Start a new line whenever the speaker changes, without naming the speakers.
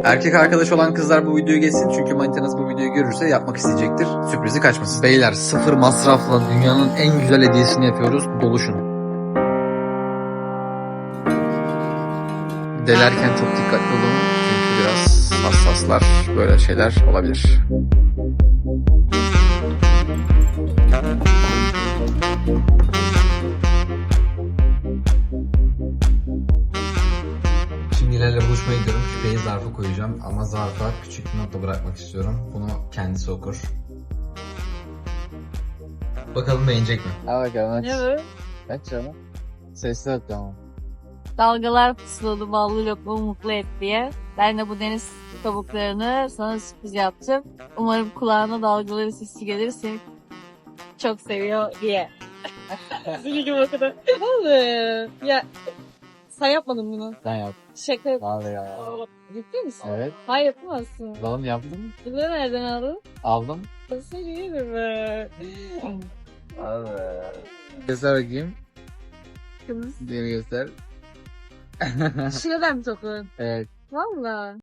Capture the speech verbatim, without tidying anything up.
Erkek arkadaş olan kızlar bu videoyu geçsin çünkü manitanız bu videoyu görürse yapmak isteyecektir. Sürprizi kaçmasın. Beyler sıfır masrafla dünyanın en güzel hediyesini yapıyoruz. Doluşun. Delerken çok dikkatli olun çünkü biraz hassaslar, böyle şeyler olabilir. Şimdi ilerle buluşmaya gidiyorum. Küpeyi zarfa koyacağım ama zarfa küçük bir nota bırakmak istiyorum. Bunu kendisi okur. Bakalım beğenecek mi?
Al bakalım aç.
Ne bu?
Aç canım. Sesli at tamam.
Dalgalar pusuladı ballı lokma mutlu et diye. Ben de bu deniz kabuklarını sana sürpriz yaptım. Umarım kulağına dalgaların sesi gelir, seni çok seviyor diye. Üzücüm o kadar. Vallahi. Ya sen yapmadın bunu.
Sen yap.
Şaka yap.
Vallahi ya.
Ciddi misin?
Evet.
Hayır yapamazsın.
Oğlum yaptım.
Bunları nereden aldın?
Aldım.
Seni yerim be.
Abi. Göster bakayım.
Kız.
Diğeri göster.
Şuradan mı tokun?
Evet.
Valla.